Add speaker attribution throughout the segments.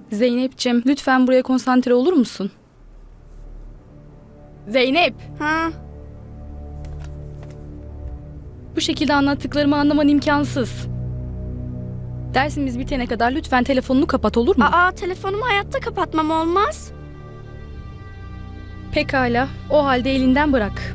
Speaker 1: Zeynep'ciğim lütfen buraya konsantre olur musun? Zeynep!
Speaker 2: Ha?
Speaker 1: Bu şekilde anlattıklarımı anlaman imkansız. Dersimiz bitene kadar lütfen telefonunu kapat, olur mu?
Speaker 2: Aa, telefonumu hayatta kapatmam olmaz.
Speaker 1: Pekala, o halde elinden bırak.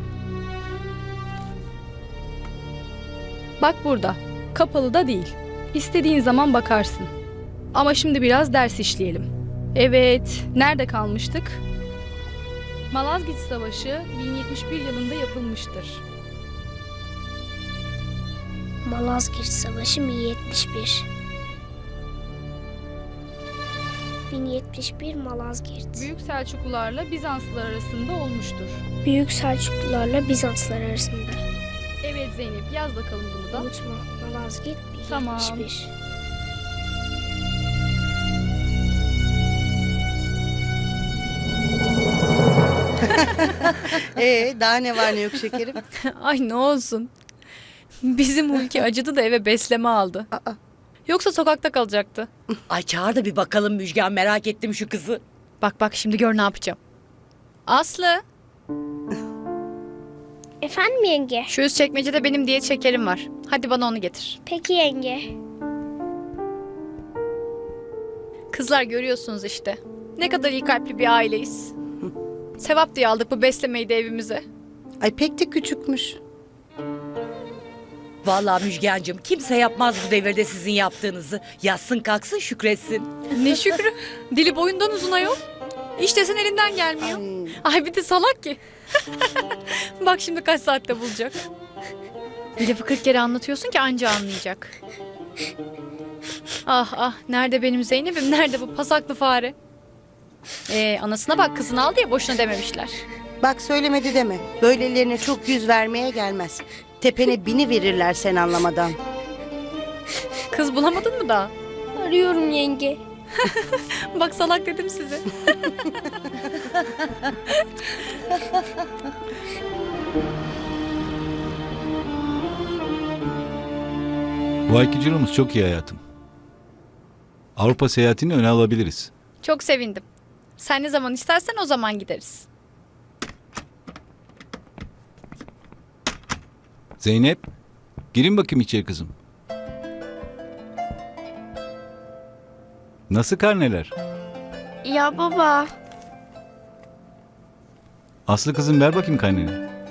Speaker 1: Bak burada, kapalı da değil. İstediğin zaman bakarsın. Ama şimdi biraz ders işleyelim. Evet, nerede kalmıştık? Malazgirt Savaşı 1071 yılında yapılmıştır.
Speaker 3: Malazgirt Savaşı 1071. 1071 Malazgirt.
Speaker 1: Büyük Selçuklularla Bizanslılar arasında olmuştur.
Speaker 3: Büyük Selçuklularla Bizanslar arasında.
Speaker 1: Evet Zeynep, yaz bakalım bunu da.
Speaker 3: Unutma, Malazgirt 1071.
Speaker 1: Tamam.
Speaker 4: Daha ne var ne yok şekerim?
Speaker 5: Ay ne olsun. Bizim Hulki acıdı da eve besleme aldı. Yoksa sokakta kalacaktı.
Speaker 6: Ay çağır da bir bakalım Müjgan, merak ettim şu kızı.
Speaker 5: Bak bak şimdi gör ne yapacağım. Aslı,
Speaker 3: Efendim yenge?
Speaker 5: şu üst çekmecede benim diyet şekerim var. Hadi bana onu getir.
Speaker 3: Peki yenge.
Speaker 5: Kızlar görüyorsunuz işte. Ne kadar iyi kalpli bir aileyiz. Sevap diye aldık bu beslemeyi de evimize.
Speaker 4: Ay pek de küçükmüş.
Speaker 6: Vallahi Müjgancığım, kimse yapmaz bu devirde sizin yaptığınızı. Yatsın kalksın şükretsin.
Speaker 5: Ne şükrü. Dili boyundan uzun ayol. İşte elinden gelmiyor. Ay bir de salak ki. Bak şimdi kaç saatte bulacak. Bir lafı 40 kere anlatıyorsun ki anca anlayacak. Ah ah, nerede benim Zeynep'im, nerede bu pasaklı fare? Anasına bak, kızını al diye boşuna dememişler.
Speaker 4: Bak söylemedi deme. Böylelerine çok yüz vermeye gelmez. Tepene bini verirler sen anlamadan.
Speaker 5: Kız bulamadın mı daha?
Speaker 3: Arıyorum yenge.
Speaker 5: Bak salak dedim size.
Speaker 7: Bu ayki ciromuz çok iyi hayatım. Avrupa seyahatini öne alabiliriz.
Speaker 5: Çok sevindim. Sen ne zaman istersen o zaman gideriz.
Speaker 7: Zeynep, girin bakayım içeri kızım. Nasıl karneler?
Speaker 2: Ya baba.
Speaker 7: Aslı kızım ver bakayım karneni.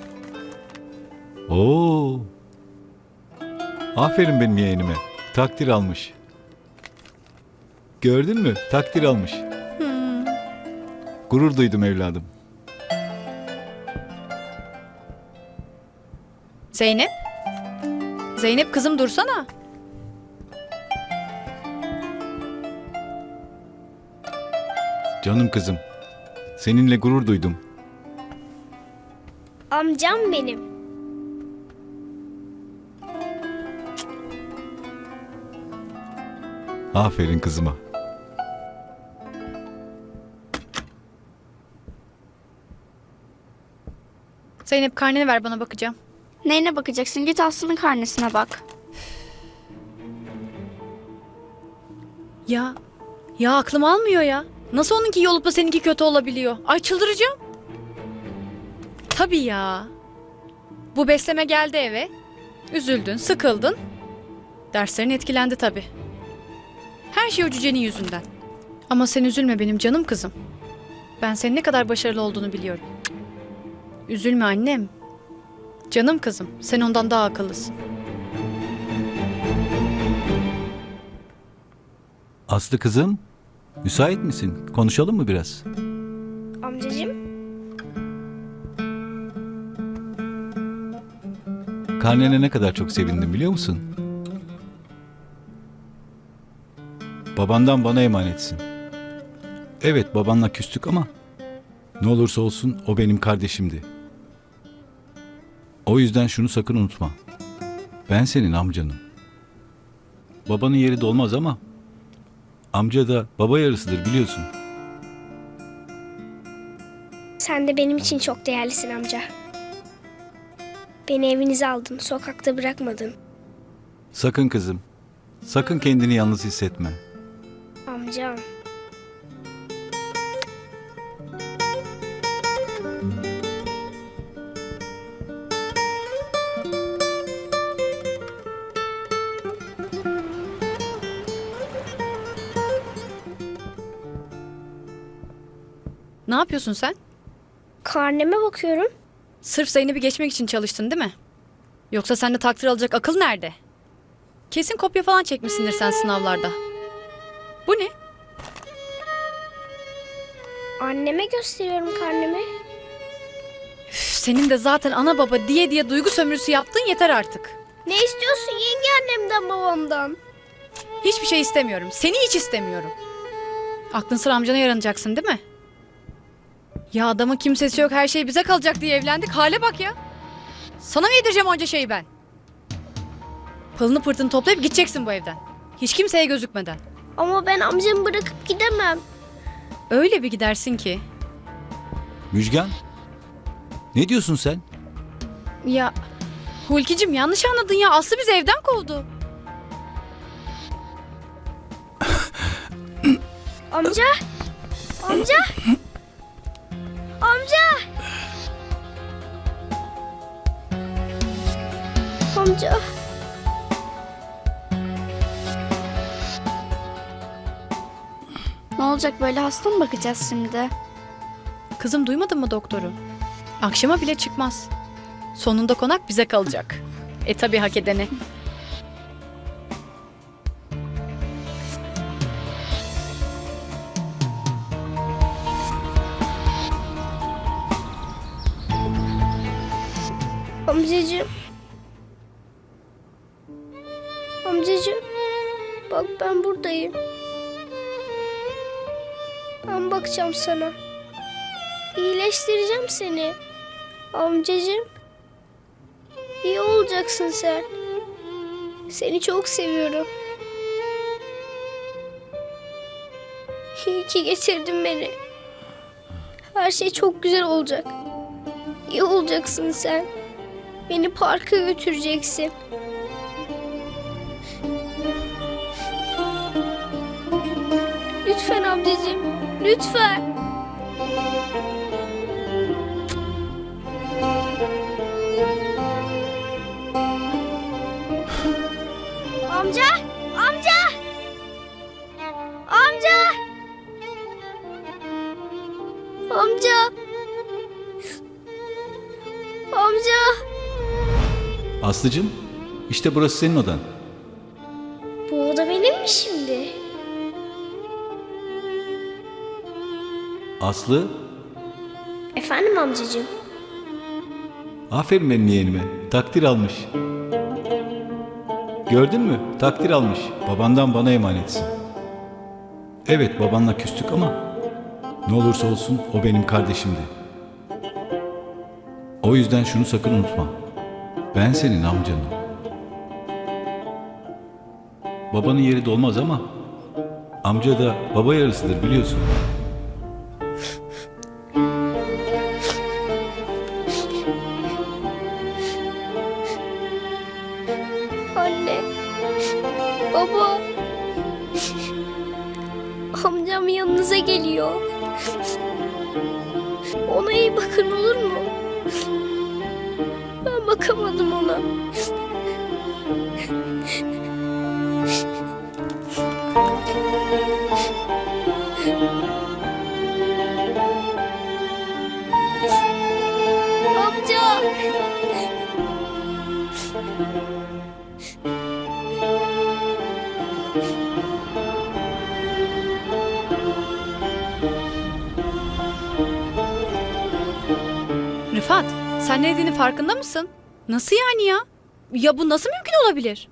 Speaker 7: Oo. Aferin benim yeğenime. Takdir almış. Gördün mü? Takdir almış. Gurur duydum evladım.
Speaker 5: Zeynep? Zeynep kızım dursana.
Speaker 7: Canım kızım. Seninle gurur duydum.
Speaker 3: Amcam benim.
Speaker 7: Aferin kızıma.
Speaker 5: Zeynep karneni ver, bana bakacağım.
Speaker 2: Neyine bakacaksın? Git Aslı'nın karnesine bak.
Speaker 5: Ya aklım almıyor ya. Nasıl onunki iyi olup da seninki kötü olabiliyor? Ay çıldıracağım. Tabii ya. Bu besleme geldi eve. Üzüldün, sıkıldın. Derslerin etkilendi tabii. Her şey o cücenin yüzünden. Ama sen üzülme benim canım kızım. Ben senin ne kadar başarılı olduğunu biliyorum. Üzülme annem. Canım kızım, sen ondan daha akıllısın.
Speaker 7: Aslı kızım, müsait misin? Konuşalım mı biraz?
Speaker 3: Amcacığım.
Speaker 7: Karnene ne kadar çok sevindim biliyor musun? Babandan bana emanetsin. Evet, babanla küstük ama ne olursa olsun o benim kardeşimdi. O yüzden şunu sakın unutma. Ben senin amcanım. Babanın yeri dolmaz ama amca da baba yarısıdır biliyorsun.
Speaker 3: Sen de benim için çok değerlisin amca. Beni evinize aldın, sokakta bırakmadın.
Speaker 7: Sakın kızım, sakın kendini yalnız hissetme.
Speaker 3: Amcam.
Speaker 5: Ne yapıyorsun sen?
Speaker 3: Karneme bakıyorum.
Speaker 5: Sırf Zeynep'i geçmek için çalıştın değil mi? Yoksa sende takdir alacak akıl nerede? Kesin kopya falan çekmişsindir sen sınavlarda. Bu ne?
Speaker 3: Anneme gösteriyorum karnemi.
Speaker 5: Üf, senin de zaten ana baba diye diye duygu sömürüsü yaptığın yeter artık.
Speaker 3: Ne istiyorsun yenge annemden babamdan?
Speaker 5: Hiçbir şey istemiyorum. Seni hiç istemiyorum. Aklın sıra amcana yaranacaksın değil mi? Ya adamın kimsesi yok, her şey bize kalacak diye evlendik. Hale bak ya. Sana mı yedireceğim onca şeyi ben? Pılını pırtını toplayıp gideceksin bu evden. Hiç kimseye gözükmeden.
Speaker 3: Ama ben amcamı bırakıp gidemem.
Speaker 5: Öyle bir gidersin ki.
Speaker 7: Müjgan, ne diyorsun sen?
Speaker 5: Ya Hulki'cim yanlış anladın ya. Aslı bizi evden kovdu.
Speaker 3: Amca! Amca! Amca! Amca!
Speaker 2: Ne olacak böyle, hasta mı bakacağız şimdi?
Speaker 5: Kızım duymadın mı doktoru? Akşama bile çıkmaz. Sonunda konak bize kalacak. Tabii hak edene.
Speaker 3: Amcacığım. Amcacığım. Bak ben buradayım. Ben bakacağım sana. İyileştireceğim seni. Amcacığım. İyi olacaksın sen. Seni çok seviyorum. İyi ki getirdin beni. Her şey çok güzel olacak. İyi olacaksın sen. Beni parka götüreceksin. Lütfen amcacığım, lütfen. Amca, amca. Amca. Amca. Amca.
Speaker 7: Aslıcığım, işte burası senin odan.
Speaker 3: Bu oda benim mi şimdi?
Speaker 7: Aslı,
Speaker 3: Efendim amcacığım.
Speaker 7: aferin benim yeğenime. Takdir almış. Gördün mü? Takdir almış. Babandan bana emanetsin. Evet, babanla küstük ama ne olursa olsun o benim kardeşimdi. O yüzden şunu sakın unutma. Ben senin amcanım. Babanın yeri dolmaz ama amca da baba yarısıdır biliyorsun.
Speaker 3: Anne. Baba. Amcam yanınıza geliyor. Ona iyi bakın olur mu? Ben bakamadım ona. Amca.
Speaker 5: Rıfat, sen ne dediğinin farkında mısın? Nasıl yani ya? Ya bu nasıl mümkün olabilir?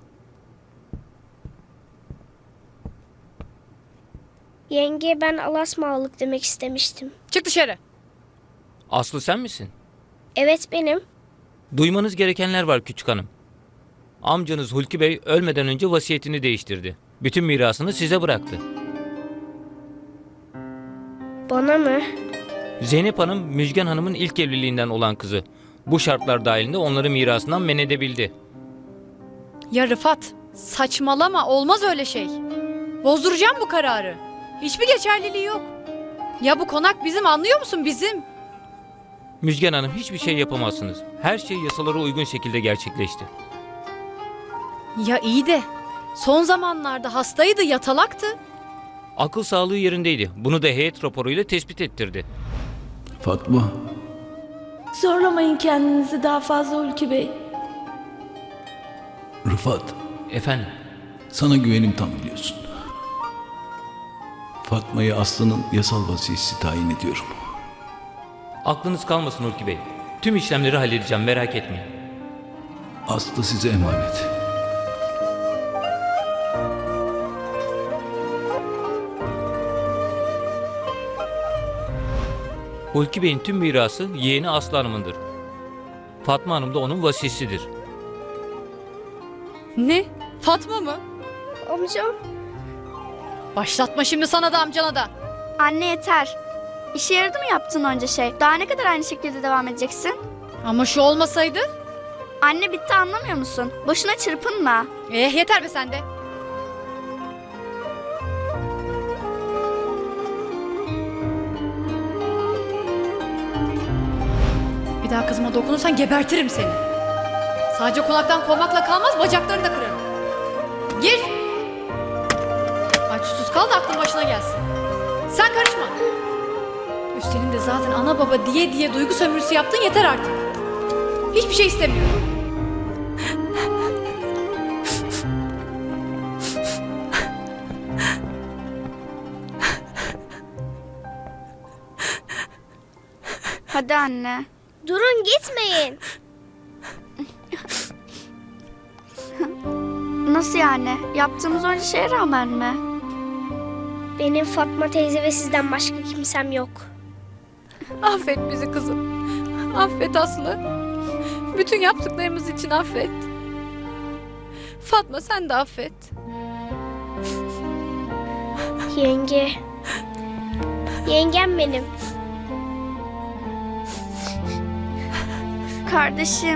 Speaker 3: Yenge ben alasmalık demek istemiştim.
Speaker 5: Çık dışarı.
Speaker 8: Aslı sen misin?
Speaker 3: Evet benim.
Speaker 8: Duymanız gerekenler var küçük hanım. Amcanız Hulki Bey ölmeden önce vasiyetini değiştirdi. Bütün mirasını size bıraktı.
Speaker 3: Bana mı?
Speaker 8: Zeynep Hanım, Müjgan Hanım'ın ilk evliliğinden olan kızı. Bu şartlar dahilinde onları mirasından men edebildi.
Speaker 5: Ya Rıfat, saçmalama, olmaz öyle şey. Bozduracağım bu kararı. Hiçbir geçerliliği yok. Ya bu konak bizim, anlıyor musun, bizim?
Speaker 8: Müjgan Hanım, hiçbir şey yapamazsınız. Her şey yasalara uygun şekilde gerçekleşti.
Speaker 5: Ya iyi de son zamanlarda hastaydı, yatalaktı.
Speaker 8: Akıl sağlığı yerindeydi. Bunu da heyet raporuyla tespit ettirdi.
Speaker 7: Fatma,
Speaker 9: Zorlamayın kendinizi daha fazla Hulki Bey.
Speaker 7: Rıfat,
Speaker 8: Efendim?
Speaker 7: sana güvenim tam biliyorsun. Fatma'yı Aslı'nın yasal vasiyesi tayin ediyorum.
Speaker 8: Aklınız kalmasın Hulki Bey. Tüm işlemleri halledeceğim, merak etmeyin.
Speaker 7: Aslı size emanet.
Speaker 8: Hulki Bey'in tüm mirası yeğeni Aslı Hanım'ındır. Fatma Hanım da onun vasisidir.
Speaker 5: Ne? Fatma mı?
Speaker 3: Amcam.
Speaker 5: Başlatma şimdi sana da amcana da.
Speaker 2: Anne yeter. İşe yaradı mı yaptığın önce şey? Daha ne kadar aynı şekilde devam edeceksin?
Speaker 5: Ama şu olmasaydı.
Speaker 2: Anne bitti anlamıyor musun? Boşuna çırpınma.
Speaker 5: Yeter be sen de. Bir daha kızıma dokunursan gebertirim seni. Sadece konaktan kovmakla kalmaz, bacaklarını da kırarım. Gir. Aç susuz kal da aklın başına gelsin. Sen karışma. Üstelik de zaten ana baba diye diye duygu sömürüsü yaptın, yeter artık. Hiçbir şey istemiyorum.
Speaker 2: Hadi anne.
Speaker 3: Durun gitmeyin.
Speaker 2: Nasıl yani? Yaptığımız önce şeye rağmen mi?
Speaker 3: Benim Fatma teyze ve sizden başka kimsem yok.
Speaker 1: Affet bizi kızım. Affet Aslı. Bütün yaptıklarımız için affet. Fatma sen de affet.
Speaker 3: Yenge. Yengem benim.
Speaker 2: Kardeşim.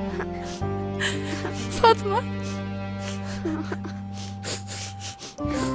Speaker 1: Fatma.